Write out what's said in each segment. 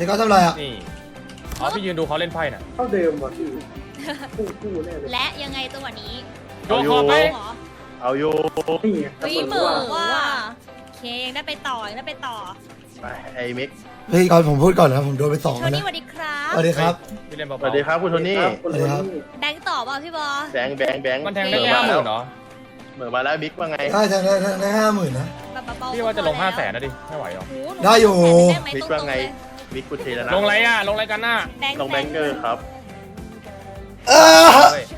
พี่ก็ทำอะไรอ่ะนี่อ๋อพี่ยืนดูเขาเล่นไพ่น่ะเท่าเดิมว่ะพี่คู่แน่เลยและยังไงจังหวะนี้โยกคอไปเหรอเอาอยู่นี่ไงวิเหมอว่าโอเคยังได้ไปต่อยังได้ไปต่อไปไอ้มิกพี่ก่อนผมพูดก่อนนะผมโดนไป2 โทแล้วนี่นะสวัสดีครับสวัสดีครับพี่เล่นสเบาวัสดีครับคุณโทนี่คนนี้แบงค์ต่อเปล่าพี่บอแบงค์ๆมันแทงได้เหแค่ม่อ 50,000เหรอเหมือมาแล้วมิกว่าไงได้ได้50,000นะแบบเบาๆพี่ว่าจะลง500,000นะดิไม่ไหวหรอโอ้โหหนูได้อยู่ได้ไหมมิกตรว่างๆไงเลยมิกกูเทแล้วนะลงอะไรอ่ะลงอะไรกันน่ะลงแบงเกอร์ครับเออเฮ้ย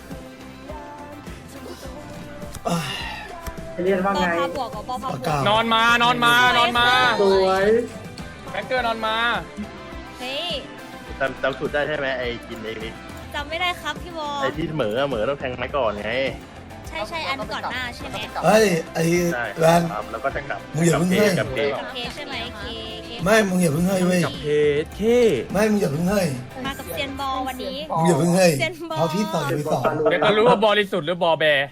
เรียนว่าบอไงพาบวกกับบอพาบปากวกากนอนมานอนมานอนมาสวยแบงเกอร์นอนมาเฮ้ยจำสูตรได้ใช่ไหมไอ้กินไอ้มิกจำไม่ได้ครับพี่บอไอ้ที่เหมือต้องแทงไม้ก่อนไงใช่อันก่อนหน้าใช่ไหมเฮ้ยไอ้ใช่แวนครับแล้วก็จะกลับมึงอย่าเพิ่งให้กับเพโอเคใช่ไหมเคไม่มึงอย่าเพิ่งเฮ้ยเว้ยกับเพจเคไม่มึงอย่าเพิ่งเฮ้ยมากับเซียนบอลวันนี้มึงอย่าเพิ่งเฮ้ยเซียนบอลเพราะพี่ต่อยไป2 เดี๋ยวจะรู้ว่าบริสุทธิ์หรือบอแบร์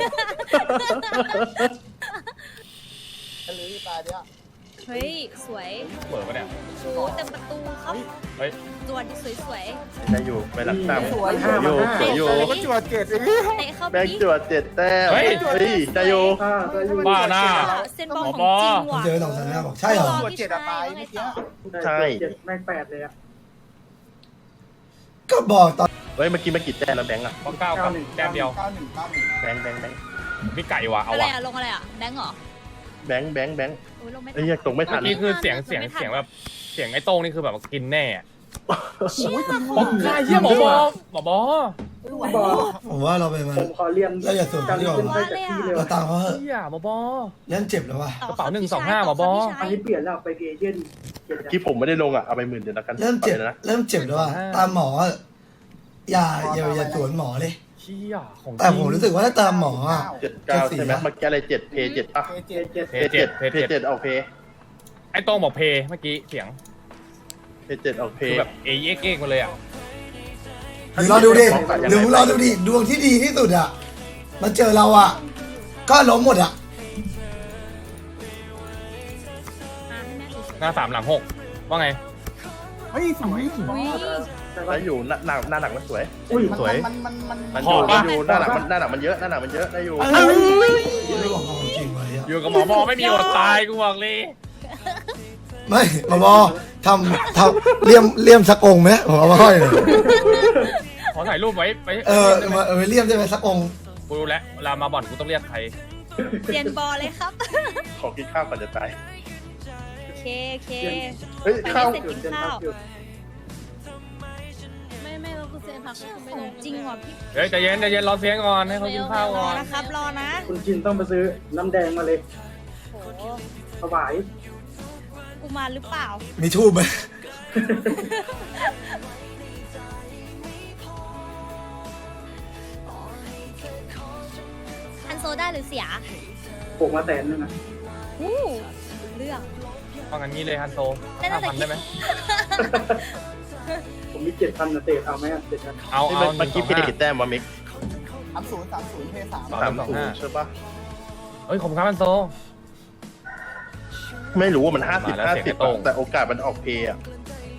เฮ้ยสวยเปิดปะเนี่ยโอ้เต็มประตูครับเฮ้ยส่วนสวยได้อยู่ไปหลักตั้งสวยสวยอยู่ๆสวยอยู่ก็จวดเกตเตะเข้าแบไปงค์จวด7 แต้มเฮ้ยได้อยู่บ้าหน้าเซียนบอลของจริงมึงว่ะเจอ2 3 5บอกใช่เหรอพี่ชายว่าไงต่อใช่แม่ง8เลยอ่ะก็บอกตอนเฮ้ยเมื่อกี้มันกี่แต้มแล้วแบงค์อะเพราะ9กับแต้มเดียวแบงค์มีไก่ว่ะเอาอะไรว่ะอะลงอะไรอะแบงค์เหรอแบงค์โอ้ยลงไม่ทัเอ้ยตรงไม่ทัเมื่อกี้คือเสียงแบบเสียงไอ้โต้งนี่คือแบบกินแน่อะบอกใครเฮียหมอบอบอผมว่าเราไปมาผมขอเรียนเราอย่าสวนการดีกว่าขึ้นไปจากที่เลยเราตามเขาเหอะเฮียหมอบอเล่นเจ็บแล้วว่ะต่กระเป๋าครับ 125หมอบอพี่ชายอันนี้เปลี่ยนแล้วไปเอเย่นที่ผมไม่ได้ลงอ่ะเอาไป10,000เดี๋ยวแล้วกันเริ่มเจ็บอาไปนะเริ่มเจ็บแล้วว่ะตามหมออะอย่าสวนหมอเลยเฮียของจแต่ผมรู้สึกว่าถ้าตามหมออ่ะ 7 9ใช่ไหมเมื่อกี้อะไร7เพย์7ป่ะเจ็ดเพจ7เพจเพย์7ออกเพย์ไอ้โต้งบอกเพเมื่อกี้เสียงเพย์7ออกเพคือย์แบบเอ็กมาเลยอ่ะหรือเราดูดิหรือเราดูดิดวงที่ดีที่สุดอ่ะมาเจอเราอ่ะก็ล้มหมดอ่ะหน้า3หลัง6ว่าไงอุ้ยแล้วอยู่หน้าหนักมันสวยอุ้ยสวย มันอยู่หน้าหนักมันเยอะได้อยู่ไม่บอกความจริงไว้อะอยู่กับหมอบอไม่มีอดตายกูบอกเลยไม่หมอบอทำเลี่ยมสักองค์ไหมผมเอามาห้อยหน่อยขอถ่ายรูปไว้ไปมาเลี่ยมได้ไหมสักองค์กูรู้แล้วเวลามาบ่อนกูต้องเรียกใครเซียนบอลเลยครับขอกินข้าวก่อนจะตายโอเคเฮ้ยข้าวไปเสร็จกินข้าวไม่เราคือเซียนผักไม่ขลองงจริงว่ะพี่เฮ้ยใจเย็นรอเสียงก่อนให้เขากินข้าวรก่ออนนะครับรอนะคุณจินต้องไปซื้อน้ำแดงมาเลยโอ้โหถวายกูมาหรือเปล่ามีทูบไหมอันโซได้หรือเสียปลูกมา100,000นึงอ่ะอู้เรื่องฟังกันงี้เลยฮันโซได้ตั้งแต่ 5,000ได้ไหมผมมี7,000นะเตะเอาไหมอ่ะ7,000 เอาเมื่อกี้เพย์กี่แต้มวะมิก 30เพย์3 30ใช่ปะเฮ้ยขอบคุณครับฮันโซไม่รู้ว่ามันมาแล้วเสียงกระโต้ง 50-50แต่โอกาสมันออกเพย์อ่ะ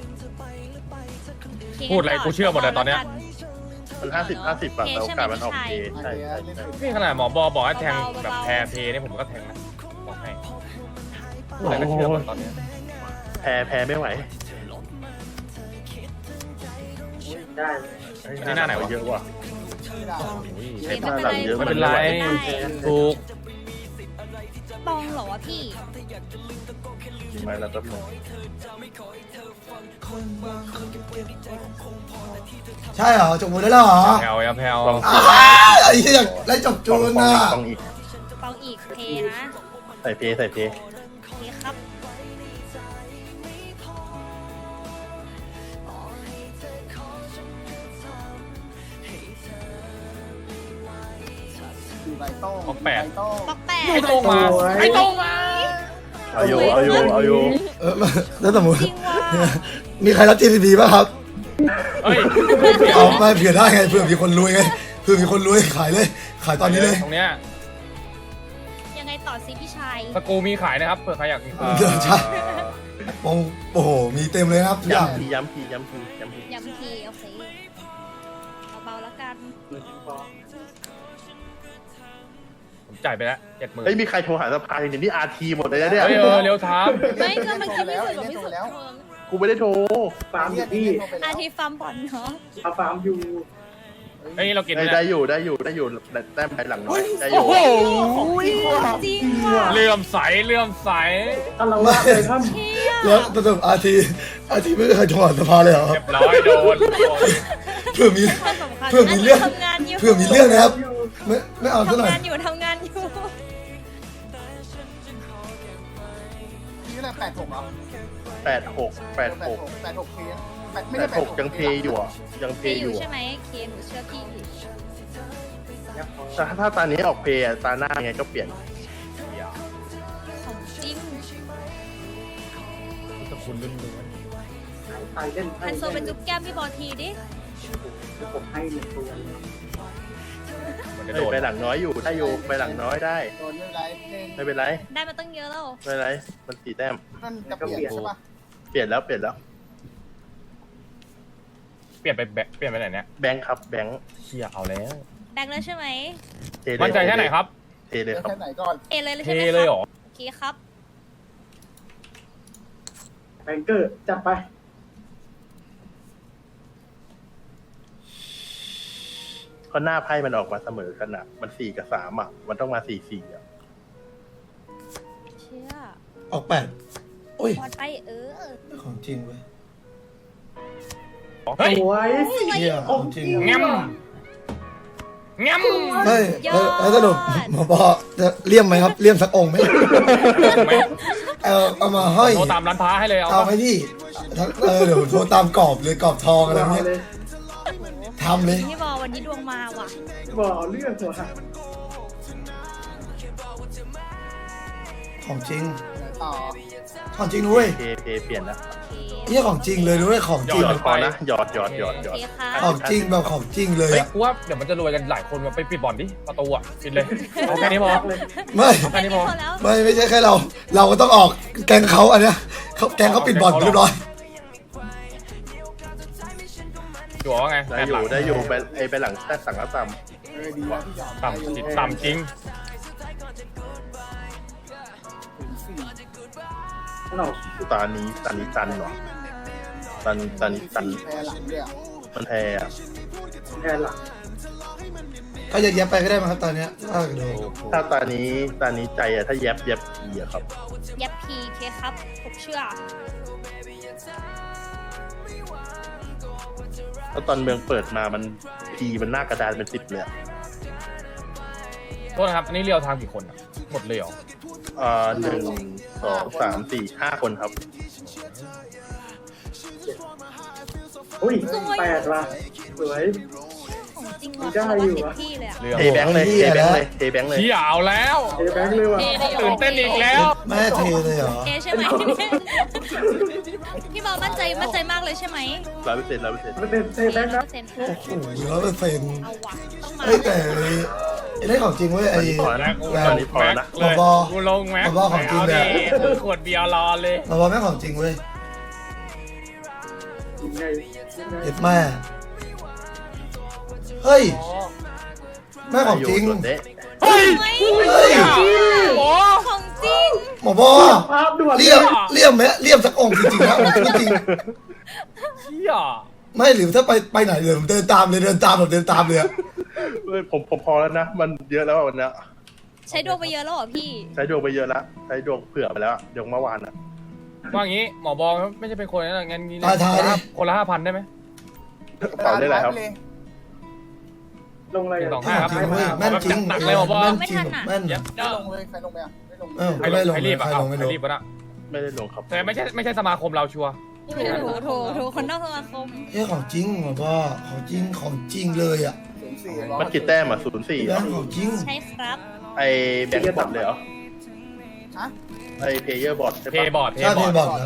พูดอะไรกูเชื่อหมดเลยตอนเนี้ยมัน50-50แต่โอกาสมันออกเพย์ใช่นี่ขนาดหมอบอบอกให้แทงแบบแพรเพนี่ผมก็แทงนะบอกให้พูดอะไรก็เชื่อหมดตอนเนี้ยแพ้ไม่ไหวได้นี่หน้าไหนวะเยอะว่ะเต็มหน้าหลังเยอะไม่เป็นไร ถูกบองเหรอวะพี่ไม่แล้วก็ใช่เหรอจบหมดแล้วเหรอแพลวแพลวไอ้เหี้ยไล่จบจูนน่ะต้องอีกบองอีกเพนะใส่เพย์โอเคครับบอก8 ปักแปดไอ้โต้งมาไอ้โต้งมาเอาอยู่แล้วสมมติจริงว่ะมีใครรับ GTP ป่ะครับเฮ้ยเอาไม่เผื่อได้ไงเผื่อมีคนรวยไงเผื่อมีคนรวยขายเลย ขายตอนนี้เลยตรงเนี้ยยังยังไงต่อสิพี่ชายสกรูมีขายนะครับเผื่อใครอยากเดี๋ยวใช่โอ้โหมีเต็มเลยครับทุกอย่างย้ำทีย้ำทีย้ำทีย้ำทีย้ำทีโอเคเบาๆแล้วกันผมจ่ายไปแล้ว70,000 เฮ้ยมีใครโทรหาสภาอย่างนี้อาร์ทีหมดเลยนะเนี่ยเฮ้ยเร็วถามไม่ก็เมื่อกี้พี่สุดกับพี่สุดกูไม่ได้โทรฟาร์มอยู่ที่อาทิตย์ฟาร์มบอลเนาะเอาฟาร์มอยู่เฮ้ยเรากินได้อยู่ได้อยู่แต้มไปหลังน้อยได้อยู่จริงว่ะเลื่อมใสถ้าเราว่าไปถ้เชี่ยแล้วสรุปอาทีไม่เคยโทรหาสภาเลยเหรอเรียบร้อยโดนเพื่อมีความสำคัญเพื่อมีเรื่องทำงานอยู่เพื่อมีเรื่องนะครับำอยู่ไม่เอาซะหน่ทำอยงานอยู่ทำงานอยู่นี่แหละ86เหรอ 86 86เคไม่ได้ 86ยังเพย์อยู่อ่ะยังเพพี่ย์ออยู่ ยู่ใช่ไหมเคหนูเชื่อพี่แต่ถ้าตานี้ออกเพย์ตาหน้าไงก็เปลี่ยนของจริงสกุลล้วนไทยเล่นไทฮัยนโซไปจุ๊บแก้มพี่บอลทีดิผมให้หนึ่งตัวๆมันจะเฮ้โดยนไปหลังน้อยอยู่ได้อยู่ไปหลังน้อยได้โดนไม่ไรเล่นไม่เป็นไรได้มาตั้งเยอะแล้วไม่เป็นไรมัน4แต้มนั่นจะเปลี่ยนใช่ปะเปลี่ยนแล้วเปลี่ยนไปไหนเนี่ยแบงค์ครับแบงค์เชี่ยเอาแล้วแบงค์แล้วใช่ไหมเทเลยมั่นใจแค่ไหนครับเทเลยครับแค่ไหนก่อนเอเลยเทใช่ไหมเลยเหรอโอเคครับแบงเกอร์จัดไปเพราะหน้าไพ่มันออกมาเสมอกันอ่ะมัน4กับ3อ่ะมันต้องมา4-4อ่ะเชี่ยออก8โอ้ยบอลไปของจริงเว้ยเฮ้ยสวยเฮียของจริงแง้มแง้มเฮ้ยแล้วสรุปหมอบอกจะเลี่ยมไหมครับเลี่ยมสักองค์ไหมเอามาห้อยโทรตามร้านพ้าให้เลยเอาเอาไหมพี่เดี๋ยวโทรตามกรอบเลยกรอบทองอะไรเอาเงี้ยเลยทำเลยพี่บอลวันนี้ดวงมาว่ะบอกเรื่องหัวของจริงต่อของจริงด้วยเพเปลี่ยนนะโอเคนี่ของจริงเลยด้วยของจริงหยอดพอนะหยอดโอเคค่ะของจริงแบบของจริงเลยเฮ้ยอะกูว่าเดี๋ยวมันจะรวยกันหลายคนมาไปปิดบ่อนดิประตูอ่ะปิดเลยเอาแค่นี้พอไม่แค่นี้พอแล้วไม่ใช่แค่เราก็ต้องออกแกงเขาอันเนี้ยแกงเขาปิดบ่อนเรียบร้อยจั่วว่าไงได้อยู่ไปหลังแท้สั่งแล้วต่ดีแล้วที่หยอดต่ำจริงหนอกำตานี้ตันเหรอตันแพ้หลังด้วยมันแพ้อะแทนหลังก็ยัดเย็บไปก็ได้มั้งครับตอนเนี้ยถ้าดูถ้าตานี้ใจอะถ้าแยบอีอะครับยับพีเคครับผมเชื่อแล้วตอนเมืองเปิดมามันมันหน้ากระดานเป็น10เลยอะโทษนะครับอันนี้เรียวทางกี่คนอ่ะหมดเลยเหรอ 1 2 3 4 5 คนครับอุ้ย8ว่ะสวยของจริงว่ะได้เขาอยู่ว่าอะเต็มที่เลยอะเรียวเทแบงค์เลยเทแบงค์เลยเชี่ยเอาแล้วเอแบงค์เลยว่ะตื่นเต้นอีกแล้วแม่เทเลยเหรอเอใช่ไหมพี่บอลมั่นใจมากเลยใช่ไหม 100% มันเป็นเอแบงค์นะ 100% โอ้โห100% เอาว่ะต้องมาเฮ้ยแต่ไอ้เรื่องของจริงเว้ยไอ้พอนะตอนนี้พอนะเลยบอกูลงแม็กบอของจริงเลยอาดิขวดเบียร์รอเลยเราบอกแม่ของจริงเว้ยยังไงเอ็ดแม่เฮ้ยแม่ของจริงเฮ้ยเฮ้ยโอ้ของจริงหมอบอภาพด่วนเลี่ยมไหมเลี่ยมสักองค์จริงๆนะองค์จริงเชี่ยไม่หรือถ้าไปไหนเลยผมเดินตามเลยอะผมพอแล้วนะ มันเยอะแล้ววันนี้ใช้ดวงไปเยอะแล้วเหรอพี่ใช้ดวงไปเยอะแล้วใช้ดวงเผื่อไปแล้วดวงเมื่อวานอ่ะว่างี้หมอบอลไม่ใช่เป็นคนนะงั้นงี้ทายดิคนละ5,000ได้ไหมกระเป๋าได้อะไรครับลงอะไร 1 2 แม่ 5 ครับจริงเว้ยแม่นจริงหนักเลยหมอบอลแม่นจริงแม่นไม่ลงเลยใครลงไปอ่ะไม่ลงเออใครไม่ลงรีบอ่ะใครเอาลงไม่ใคลรง รีบวะน่ะไม่ได้ลงครับแต่ไม่ใช่สมาคมเราชัวร์ถูกคนนอกสมาคมเฮ้ยของจริงหมอบอของจริงเลยอ่ะมันกี่แต้มอ่ะ04 แม่งของจริงใช่ครับไอแบงค์บอร์ดเลยเหรอฮะไอเพย์เยอร์บอร์ดใช่เทปะบอร์ดใช่เทบอร์ด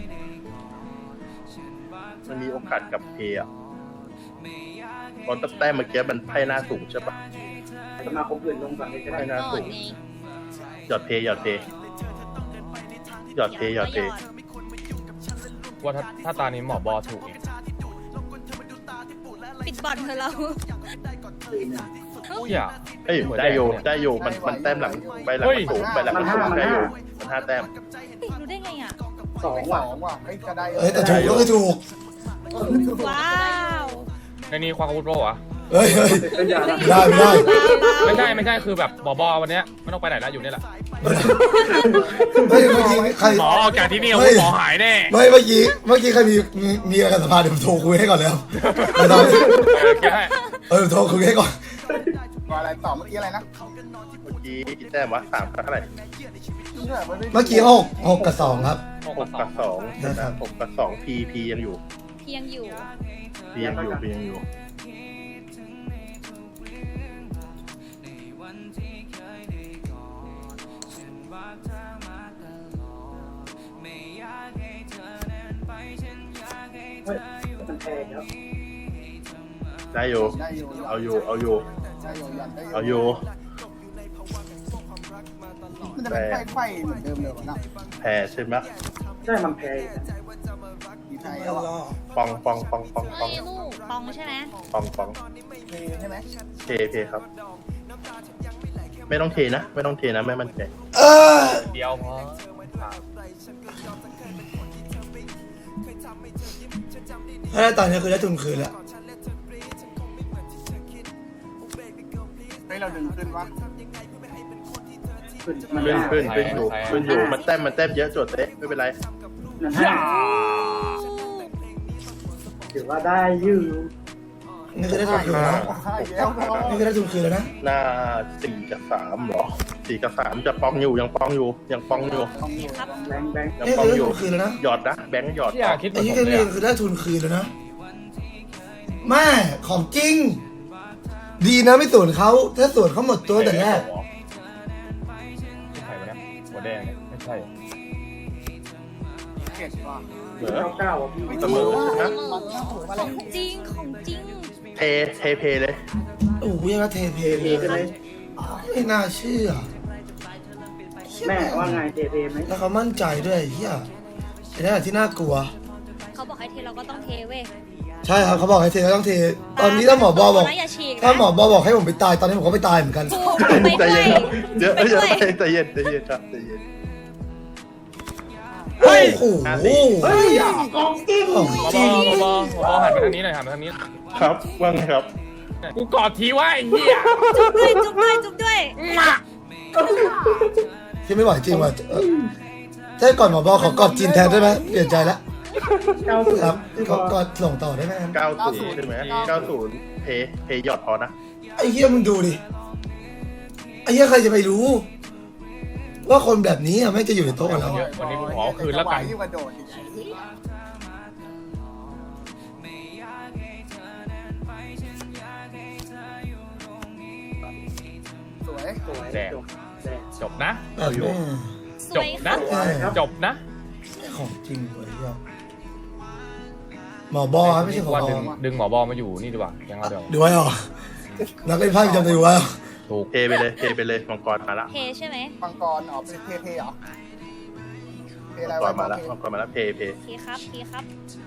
มันมีโอกาสกับเพย์อ่ะตอนแต้มเมื่อกี้มันไพ่หน้าสูงใช่ปะสมาคมอื่นลงก่อนเลยก็ได้ไพ่หน้าก่อสูนงไงหยอดเพหยอดเพหยอดเพหยอดเพว่าถ้าตานี้หมอบอถูกอีกปิดบ่อนเธอะเราอย่าเอ้ยได้โยได้โยมันแต้มหลังใบหลังมันสูงใบหลังมันสูงได้โยมัน5 แต้มรู้ได้ไงอ่ะ 2 สว่ะองว่ะเฮ้ยก็ได้เอ้ยแต่ถูกก็คือถูกว้าว ในในนี้ความอาวุธโปรอะเฮ้ยเฮ้ยเป็นอย่างนั้นได้ไม่ได้ไม่ใช่คือแบบบอวันเนี้ยไม่ต้องไปไหนแล้วอยู่นี่แหละเฮ้ยเมื่อกี้ใครหมอออกจากที่นี่หมอหายแน่ไม่เมื่อกี้ใครมีอะไรกับสภาเดี๋ยวผมโทรคุยให้ก่อนเลยครับไม่ต้องแค่ให้โทรคุยให้ก่อนว่าอะไรต่อเมื่อกี้อะไรนะเมื่อกี้กี่แต้มวะ3เท่าไหร่เมื่อกี้6กับ2ครับ 6 กับ 2 นะครับ 6 กับ2 P ยังอยู่เพียงอยู่ P ยังอยู่เฮ้ยมันแพงแล้วได้อยู่ได้อยู่เอาอยู่เอาอยู่ได้อยู่ยันได้เอาอยู่มันจะเป็นไฟเหมือนเดิมเลยวะนะแพ้ใช่ไหมใช่มันแพงมีไทยแล้วอ่ะปองปองปองปองปองเอ้ยลูกปองใช่ไหมปองปองเทใช่ไหมเทครับ ไม่ต้องเทนะไม่ต้องเทนะไม่มั่นใจเออเดียวพอถ้าได้ตอนนี้คือได้ทุนคืนแล้วเฮ้ยเราดึงขึ้นวะขึ้นมันขึ้นอยู่มันแต้มเยอะจดเต๊ะไม่เป็นไรมันให้ถือว่าได้ยืมนี่คือได้ทุนคืนแล้วใช่แล้วนี่คือได้ทุนคืนแล้วนะหน้า4 กับ 3เหรอ4 กับ 3จะปองอยู่ยังปองอยู่ครับแบงค์ยังนี่ปอคืงอได้อยู่ทุนคืนแล้วนะหยอดนะแบงค์หยอดอย่าคิดเหมืไอ้อนที่ผมนี่เลยคือได้ทุนคืนแล้วนะแม่ของจริง ดีนะไม่สวนเขาถ้าสวนเขาหมดตัวแต่แรกใครวะเนี่ยหัวแดงเนี่ยไม่ใช่เก็บว่ะเหมือเก้าอ่ะพี่เสมอใช่ไหมของจริงของจริงเทเพเลยโอ้โหยังก็เทเพเทเลยกันเลยไม่น่าเชื่อแม่ว่าไงเทไหมแล้วเขามั่นใจด้วยเฮียไอ้นั่นแหละที่น่ากลัวเขาบอกให้เทเราก็ต้องเทเว้ยใช่ครับเขาบอกให้เทก็ต้องเท ตอนนี้ถ้าหมอบอบอกนะอย่าฉีกนะถ้าหมอบอบอกให้ผมไปตายตอนนี้ผมก็ไปตายเหมือนกันถูกไปใจด้วเย็ยนครับเดี๋ยวไปด้วยใจเย็นครับใจเย็นโอ้โหเฮ้ยของจริงของบอจริงบอหันไปทางนี้หน่อยหันไปทางนี้ครับว่าไงครับกูกอดทีว่าไอ้เหี้ยจุ๊บด้วยจุ๊บด้วยจุ๊บด้วยที่ไม่ไหวจริงว่ะถ้าก่อนหมอบอขอกอดจีนแทนได้ไหมเปลี่ยนใจแล้ว 90 ครับขอกอดส่งต่อได้ไหมครับ 90ใช่ไหม90เพหยอดพอนะไอ้เฮียมึงดูดิไอ้เฮียใครจะไปรู้ ว่าคนแบบนี้อะไม่จะอยู่ในโต๊ะกับเราวันนี้กูขอคืนแล้วกันยิ่งกระโดดอีกสวยสวยแดงแดงจบนะแบบนี้สวยครับจบนะของจริงเลยเฮียหมอบอครับไม่ใช่หมอว่าบอดึงหมอบอมาอยู่นี่ดีกว่ายังเอาเดี๋ยวดูไว้เหรอนักเล่นไพ่ประจำตัวไว้เหรอถูกเทไปเลยมังกรมาละเทใช่ไหมมังกรอ๋อเป็นเทเหรอเทอะไรมังกวะรมาละมังกรมาละเพเทครับเทครับ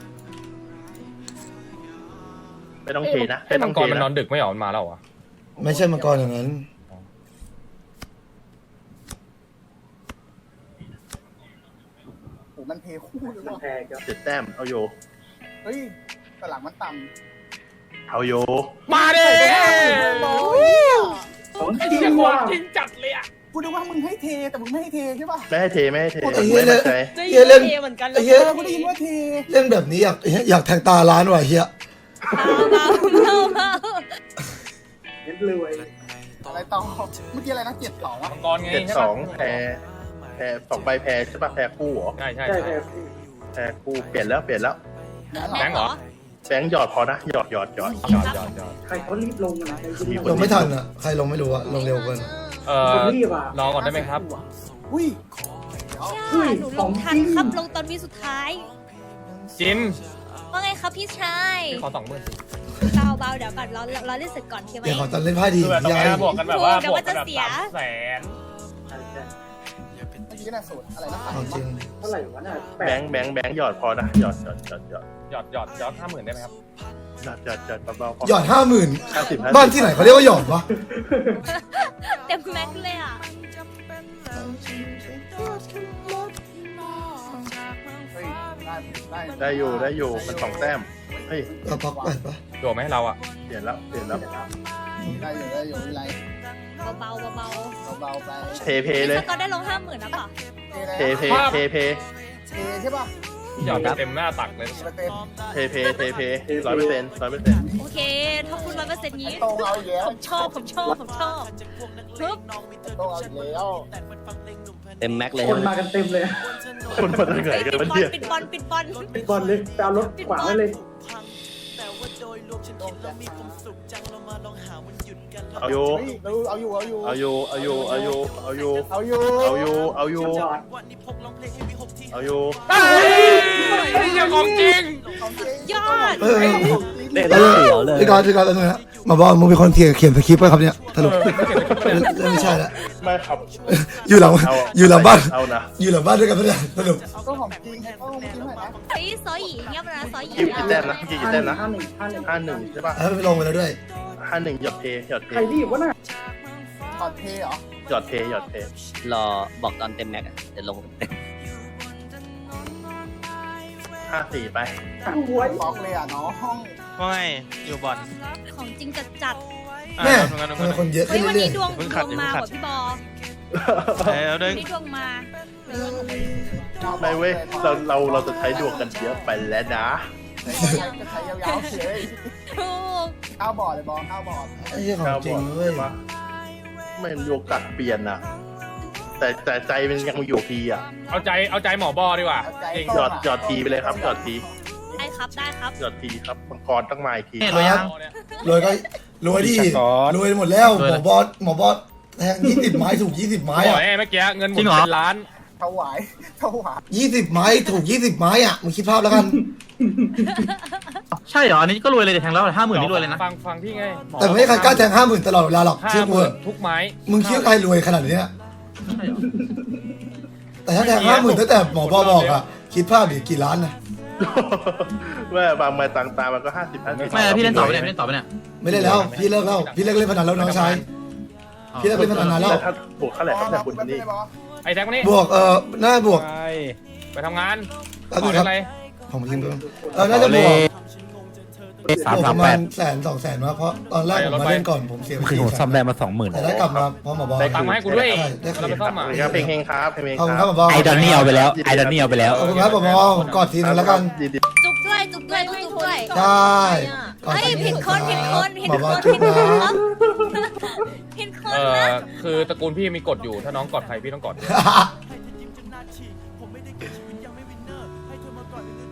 ไม่ต้องเทนะไอ้ไม่ต้มัอง งกเทรมันนอนะนดึกไม่เหรอมันมาแล้วเหรอไม่ใช่มังกรอย่างนั้นโหมันเทคู่เลยมันว่ะแพงครับ 7 แต้มเอาโยเฮ้ยแต่หลังมันต่เอาโยมาดิำของไอ้จริเหี้ยงขอว่ะงจริงจัดเลยอ่ะกูนึกว่ามึงให้เทแต่มึงไม่ให้เทใช่ป่ะไม่ให้เทไม่ไอ้ไม่เหี้ยมั่นใจเฮียเล่นไอ้เฮียกูได้ยินว่าเทเล่นแบบนี้อยากแทงตาร้านว่ะเฮียเบาเบาเบาเน้นรวยอะไรต่อเมื่อกี้อะไรนะ7-2อ่ะมังกรไง 7-2แพ้2 ใบแพ้ใช่ป่ะแพ้คู่เหรอใช่ใช่ใช่ใช่แพงแพ้คู่เปลี่ยนแล้วแบงค์เหรอแบงค์หยอดพอนะหยอดยอดใครเขารีบลงนะใครจะรีบลงไม่ทันอ่ะใครลงไม่รู้อะลงเร็วเกินคนรีบอ่ะรอก่อนได้ไหมครับอุ้ยใช่หนูลงทันครับลงตอนวิสุดท้ายจินว่าไงครับพี่ชายขอ20,000 เบาเบาเดี๋ยวก่อนเราเล่นเสร็จก่อนใช่ไหมเดี๋ยวขอตอนเล่นไพ่ดีคือแบบตรงยายนี้บวกกันแบบว่าเดี๋บยววมักนกัจะนแบบเสีย 300,000 ใช่ใช่มื่อกี้น่ะสูตรอะไรนะเอาจริงเท่าไหร่วะน่ะแบงค์หยอดพอนะหยอดหยอด50,000ได้ไหมครับเบาๆพอหยอด50,000 50 บ้านที่ไหนเขาเรียกว่าหยอดวะเต็มแม็กซ์เลยอ่ะเฮ้ยได้ได้อยู่มัน2 แต้มเฮ้ยเราพักไปปะโดดไหมเราอ่ะเปลี่ยนแล้วได้อยู่ไม่ไรเบาๆเบาเบาๆไปเทๆเลยสกอตได้ลง50,000แล้วเปล่ะเทเทใช่ป่ะหยอดเต็มหน้าตักเลยเต็ม 100% โอเคถ้าคุณ100%นี้ตรงเอาอีกแล้วผมชอบฮึบตรงเอาอีกแล้วเต็มแม็กเลยคใช่นไหมมากันเต็มเลยคนมาจากไหนกันวะเนี่ยปิดบอลปิดบอลเลยไปเอารถขวางไว้เลยเอาอยู่เอาอยู่เอาอยู่เอาอยู่ยังของจริงยอดเออเต็มเสียวเลยพี่กอนแล้วนะมาบอกมึงเป็นคนเขียนสคริปต์ป่ะครับเนี่ยสรุปไม่ใช่ละไม่ครับอยู่หลังบ้านเอานะอยู่หลังบ้านด้วยกันปะเนี่ยสรุปต้องของจริงให้ต้องจริงให้นะเฮ้ยซอยหยีเงียบนะซอยหยีกี่แต้มนะกี่แต้มนะ 51 51ใช่ป่ะแล้วไปลงไปแล้วด้วย 51หยอดเทใครรีบวะน่ะตอนเทเหรอหยอดเทรอบอกตอนเต็มแม็กอะเดี๋ยวลงเต็ม 54ไปหวยบล็อกเลยอ่ะน้องว่าไงอยู่บอลของจริงจัดแม่ทำไมคนเยอะๆเฮ้ขึ้นยวันเรื่อนี้ยดวงมาว่ะพี่บอแล้วเด้วังนนี้ดวงมาไม่เว้ยเราจะใช้ดวงกันเยอะไปแล้วนะจะใช้ยาวๆเลยถูกข้าวบอร์ดเลยบอลข้าวบอร์ดๆไอ้เหี้ยของจริงเว้ยไม่มีโอกาสเปลี่ยนนะแต่ใจมันยังอยู่ทีอ่ะเอาใจหมอบอดีกว่าจริงหยอดทีไปเลยครับหยอดทีได้ครับได้ครับหยอดทีครับมังกรต้องมาอีกทีครับรวยก็รวยดิรวยหมดแล้วหมอบอสแทง20 ไม้ถูก20 ไม้บออ่ะกเมื่อกี้เงินหมดเป็นล้านถวาย 20 ไม้ถูก20 ไม้อ่ะมึงคิดภาพแล้วกันใช่เหรอ อันนี้ก็รวยเลยแทงแล้ว50,000นี่รวยเลยนะฟังพี่ไงแต่ไม่มีใครกล้าแทง50,000ตลอดเวลาหรอกเชื่อกู 50,000ทุกไม้มึงคิดว่าใครรวยขนาดนี้อะแต่ถ้าแทง50,000ตั้งแต่หมอบอบอกอ่ะคิดภาพดิกี่ล้านนะว่าบางมาต่างตามันก็50 ไม่พี่เล่นต่อไปเนี่ยพี่เล่นต่อไปเนี่ยไม่ได้แล้วพี่เลิกแล้วพี่เลิกเล่นพนันแล้วน้องชายพี่เลิกเล่นพนันนานแล้วถ้าบวกเท่าไหร่ครับเนี่ยคุณนี่ไอ้แท็กมานี่บวกน่าบวกไปทำงานแป๊บขนึองครับอะไรผมคิดดูน่าจะบวกประมาณ100,000-200,000มาเพราะตอนแรกผมมาเล่นก่อนผมเสียไปคือผมซ่อมได้มา 20,000 แต่ได้กลับมาเพราะหมอบอตังค์มาให้กูด้วยได้คืเรานไปซ่อมอ่ะครับเพลงเฮงครับเพลงขอบคุณคครัรับบ หมอบอไอดอนนี่เอาไปแล้ว ไอดอนนี่เอาไปแล้วขอบคุณครับหมอบอผมกอดทีนึงแล้วกันจุบด้วยจุบด้วยได้กอดเฮ้ยทีนึงผิดคนหมอบอจุ๊บนะผิดคนนะคือตระกูลพี่มีกฎอยู่ถ้าน้องกอดใครพี่ต้องกอด